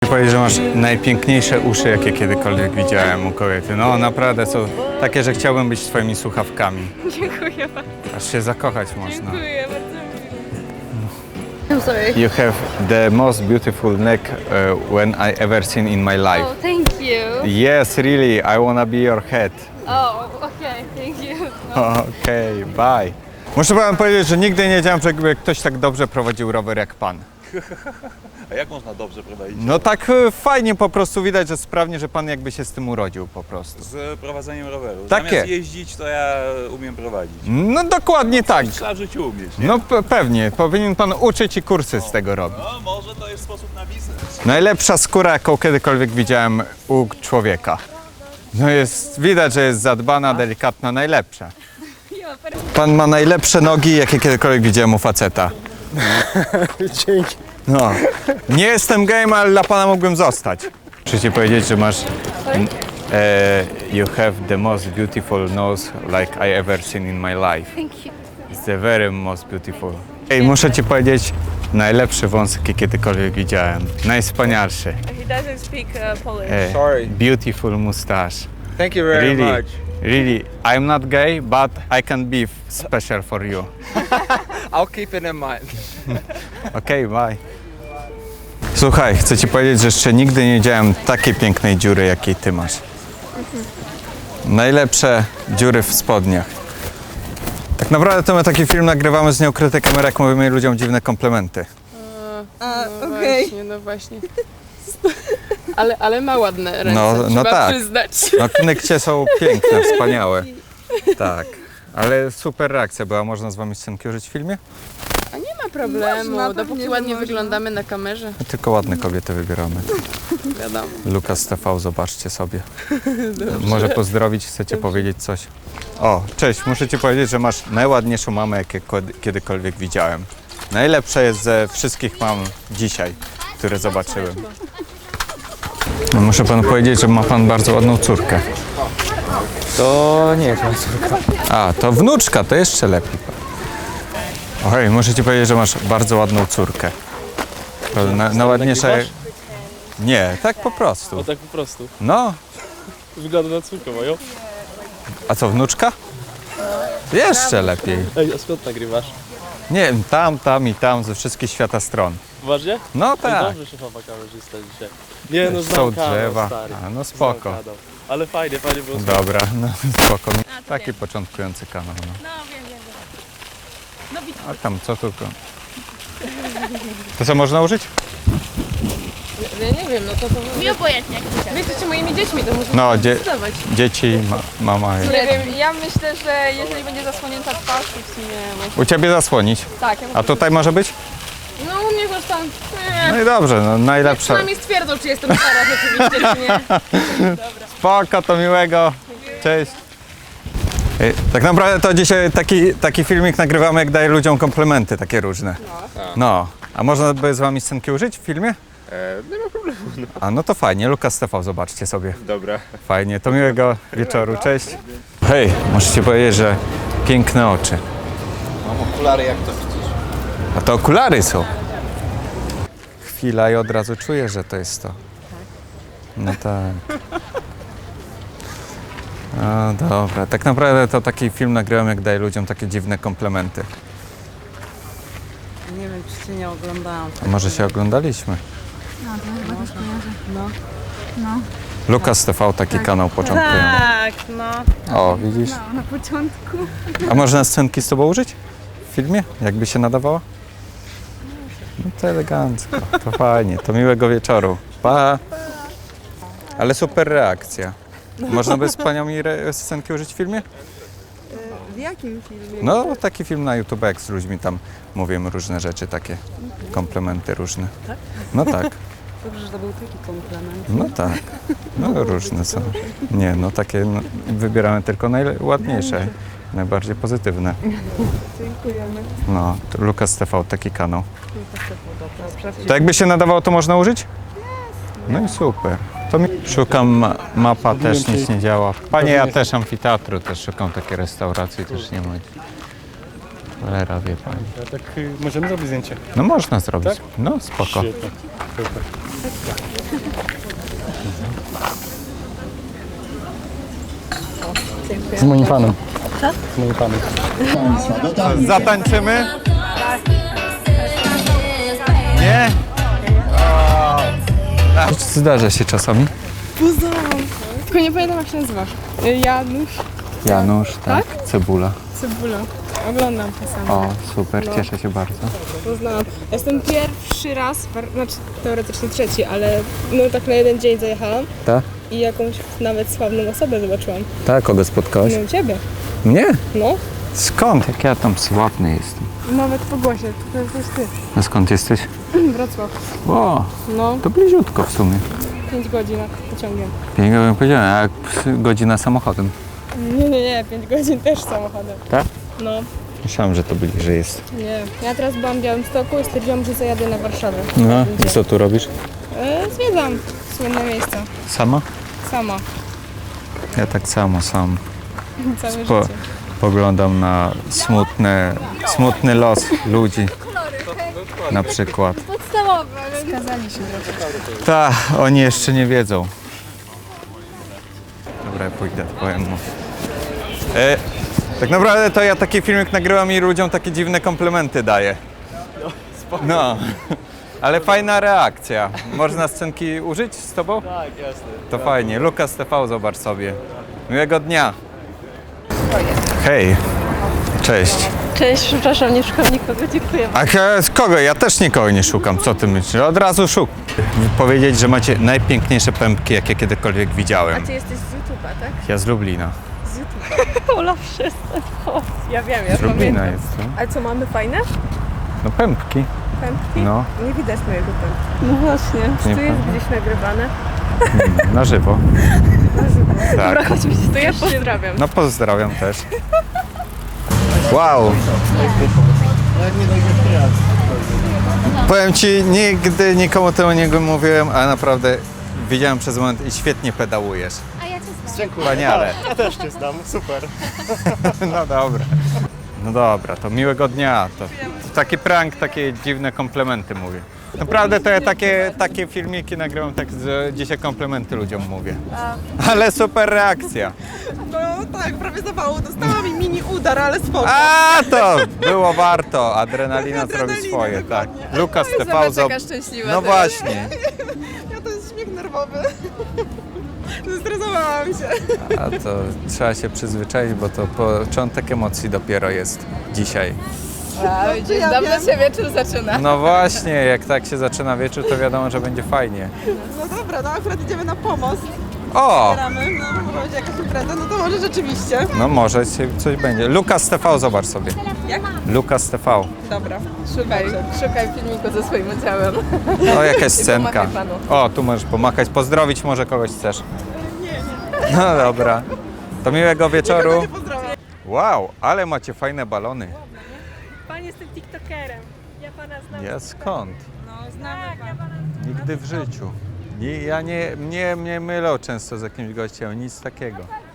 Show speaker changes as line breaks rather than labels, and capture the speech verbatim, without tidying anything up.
powiedzieć, że masz najpiękniejsze uszy, jakie kiedykolwiek widziałem u kobiety. No naprawdę są takie, że chciałbym być twoimi słuchawkami.
Dziękuję bardzo.
Aż się zakochać można.
Dziękuję bardzo. I'm sorry.
You have the most beautiful neck uh, when I ever seen in my life.
Oh, thank you.
Yes, really, I wanna be your head.
Oh, okay, thank you.
Okej, okay, bye. Muszę wam powiedzieć, że nigdy nie wiedziałem, żeby ktoś tak dobrze prowadził rower jak pan.
A jak można dobrze prowadzić?
No tak e, fajnie po prostu widać, że sprawnie, że pan jakby się z tym urodził po prostu.
Z prowadzeniem roweru.
Takie.
Zamiast jeździć, to ja umiem prowadzić.
No dokładnie tak.
Trzeba w życiu umieć, nie?
No pe- pewnie, powinien pan uczyć i kursy z tego robić.
No, może to jest sposób na biznes.
Najlepsza skóra, jaką kiedykolwiek widziałem u człowieka. No jest, widać, że jest zadbana, delikatna, najlepsza. Pan ma najlepsze nogi, jakie kiedykolwiek widziałem u faceta.
Dzięki.
No, nie jestem gejem, ale dla pana mógłbym zostać. Muszę ci powiedzieć, że masz... E, you have the most beautiful nose like I ever seen in my life.
Thank you.
It's the very most beautiful. Ej, muszę ci powiedzieć, najlepszy wąs, jaki kiedykolwiek widziałem. Najwspanialszy.
He doesn't speak uh, Polish.
E,
Sorry.
beautiful mustache.
Thank you very
Really,
much.
really. I'm not gay, but I can be f- special for you.
I'll keep it in mind.
Okej, okay, bye. Słuchaj, chcę ci powiedzieć, że jeszcze nigdy nie widziałem takiej pięknej dziury, jakiej ty masz. Najlepsze dziury w spodniach. Tak naprawdę to my taki film nagrywamy z nieukrytej kamery, jak mówimy ludziom dziwne komplementy.
A,
No
okej.
właśnie, no właśnie. Ale, ale ma ładne ręce,
No, no
trzeba
tak.
przyznać.
No knykcie są piękne, wspaniałe. Tak, ale super reakcja była. Można z wami scenki użyć w filmie?
A nie ma problemu,
Można,
dopóki
pewnie, że
ładnie
można.
wyglądamy na kamerze,
Tylko ładne kobiety wybieramy.
wiadomo.
Lukas T V, zobaczcie sobie. Może pozdrowić, chcecie powiedzieć coś? O, cześć, muszę ci powiedzieć, że masz najładniejszą mamę, jakie kiedykolwiek widziałem. Najlepsza jest ze wszystkich mam dzisiaj, które zobaczyłem. No, muszę panu powiedzieć, że ma pan bardzo ładną córkę.
To nie jest moja córka.
A, to wnuczka, to jeszcze lepiej. Oj, muszę ci powiedzieć, że masz bardzo ładną córkę. To Na, najładniejsza... Nie, tak po prostu.
O tak po prostu.
No,
Wygląda na córkę moją.
a co, wnuczka? Jeszcze lepiej.
Ej, a skąd nagrywasz?
Nie wiem, tam, tam i tam, ze wszystkich świata stron.
Uważnie?
No
Ej,
tak,
dobrze się chowa kamerzysta dzisiaj. Nie no, znam
są
kanał,
drzewa.
stary.
A, no
Znam
spoko.
kanał. Ale fajnie, fajnie było.
Dobra, no spoko. Taki początkujący kanał. No.
No wiem, wiem, wiem. No widzę.
A tam co tylko. To co można użyć?
Ja nie wiem, no to to...
Mi obojętnie, jak
Wy jesteście moimi dziećmi, to muszę
No, dzie
zdecydować.
dzieci, ma mama.
Nie wiem, ja myślę, że jeżeli będzie zasłonięta twarz, to w sumie może...
U ciebie zasłonić.
Tak, ja
A tutaj może być?
No u mnie zresztą... Nie.
No i dobrze, no najlepsza.
Przynajmniej stwierdzą, czy jestem stara rzeczywiście, czy nie.
Spoko, to miłego. Cześć. Ej, tak naprawdę to dzisiaj taki, taki filmik nagrywamy, jak daję ludziom komplementy takie różne. No. A można by z wami scenki użyć w filmie?
nie ma problemu.
A no to fajnie, Lukas T V, zobaczcie sobie.
Dobra.
Fajnie, to miłego wieczoru, cześć. Hej, muszę ci powiedzieć, że piękne oczy.
Mam okulary, jak to widzisz.
A to okulary są. Chwila i od razu czuję, że to jest to. No tak. No dobra, tak naprawdę to taki film nagrywam, jak daję ludziom takie dziwne komplementy.
Nie wiem, czy cię nie oglądałam.
A może się oglądaliśmy?
No, to chyba też kojarzę. No.
Lukas T V, taki kanał początkujący.
Tak, no.
O, widzisz?
No, na początku.
A można scenki z tobą użyć? W filmie? Jakby się nadawała? No to elegancko, to fajnie, to miłego wieczoru. Pa! Ale super reakcja. Można by z panią mi re- scenki użyć w filmie?
W jakim filmie?
No, taki film na YouTube, jak z ludźmi tam mówimy różne rzeczy, takie komplementy różne. No tak,
Dobrze, że to był taki komplement.
no tak. No różne są. Nie, no takie no, wybieramy tylko najładniejsze, najbardziej pozytywne.
Dziękujemy.
No, to Lukas T V, taki kanał.
Dobra,
To jakby się nadawało, to można użyć? No i super. To mi... Szukam ma mapa, też nic nie działa. Panie, ja też amfiteatru, też szukam takiej restauracji, też nie ma. Cholera, wie pani.
Tak, możemy zrobić zdjęcie.
No można zrobić.
Tak?
No spoko.
Świetnie.
Super.
Z moim fanem. Z moim fanem.
Zatańczymy? Nie? O. Zdarza się czasami.
Poznałam. Tylko nie pamiętam jak się nazywasz. Janusz
Janusz, tak? Cebula.
Cebula. Oglądam czasami.
O, super, cieszę się bardzo.
Poznałam. Jestem pierwszy raz, par- znaczy teoretycznie trzeci, ale no tak na jeden dzień zajechałam
Tak?
i jakąś nawet sławną osobę zobaczyłam.
Tak, kogo spotkałaś?
No ciebie.
Mnie?
No.
Skąd? Jak ja tam sławny jestem.
Nawet po głosie. To jesteś ty.
A skąd jesteś?
Wrocław.
O,
No.
to bliziutko w sumie.
pięć godzin pociągiem.
Pięknie bym powiedział, a jak godzina samochodem.
Nie, nie, nie. pięć godzin też samochodem.
Tak?
No.
Myślałem, że to bliżej jest.
Nie. Ja teraz byłam w Białymstoku i stwierdziłam, że zajadę na Warszawę.
No, i co tu robisz?
E, zwiedzam słynne miejsca.
Sama?
Sama.
Ja tak samo sam.
Całe
Po,
życie.
poglądam na smutne, smutny los ludzi. Na przykład.
Podstawowe.
Skazali się trochę.
Ta, oni jeszcze nie wiedzą. Dobra, ja pójdę, powiem mu. E, tak naprawdę to ja taki filmik nagrywam i ludziom takie dziwne komplementy daję. No, ale fajna reakcja. Można scenki użyć z tobą?
Tak, jasne.
To fajnie. Lukas T V, zobacz sobie. Miłego dnia. Hej. Cześć.
Cześć, przepraszam, nie szukam nikogo, dziękuję.
A ja- z kogo? Ja też nikogo nie szukam. Co ty myślisz? Od razu szukam. Powiedzieć, że macie najpiękniejsze pępki, jakie kiedykolwiek widziałem.
Ty jesteś z YouTube'a, tak?
Ja z Lublina.
Ola, przestań. O, ja wiem, ja
Z Lublina
pamiętam.
jestem.
Ale co, mamy fajne
No pępki.
pępki?
No,
Nie widać mojego pępka. No właśnie. Czy
Nie
to jest
prawda.
gdzieś nagrywane?
na żywo. Tak.
Chodźmy się, to ja pozdrawiam.
No pozdrawiam też. Wow. Powiem ci, nigdy nikomu tego nie mówiłem, ale naprawdę widziałem przez moment i świetnie pedałujesz.
A ja cię znam.
Dziękuję.
Wspaniale.
Ja też cię znam, super.
No dobra. No dobra, to miłego dnia. To, to taki prank, takie dziwne komplementy mówię. Naprawdę to ja takie, takie filmiki nagrywam, tak, że dzisiaj komplementy ludziom mówię. Ale super reakcja.
No tak, prawie zawału dostałam i mini udar, ale spoko.
A to było warto. Adrenalina zrobi
Adrenalina,
swoje, tak.
dokładnie.
Lukas T V.
Zobacz,
zob-
jaka szczęśliwa
No
teraz.
właśnie.
Ja to jest śmiech nerwowy. Zestresowałam się.
A to trzeba się przyzwyczaić, bo to początek emocji dopiero jest dzisiaj.
A, widzisz,
ja
dawno
wiem.
się wieczór zaczyna.
No właśnie, jak tak się zaczyna wieczór, to wiadomo, że będzie fajnie.
No dobra, no akurat idziemy na pomost.
O!
Gramy, no może będzie jakaś impreza, no to może rzeczywiście.
No może się coś będzie. Lukas T V, zobacz sobie.
Jak?
Lukas T V.
Dobra.
Szukaj, szukaj filmiku ze swoim udziałem.
O, jakaś scenka.
pomachaj panu.
O, tu możesz pomachać, pozdrowić może kogoś chcesz. No dobra. To miłego wieczoru.
Nie pozdrawiam.
Wow, ale macie fajne balony.
Pan jestem tiktokerem. Ja pana znam.
Ja skąd?
No, znamy
Tak, ja pana
Nigdy w życiu. Nie, ja nie, mnie, mnie mylą często z jakimś gościem, nic takiego.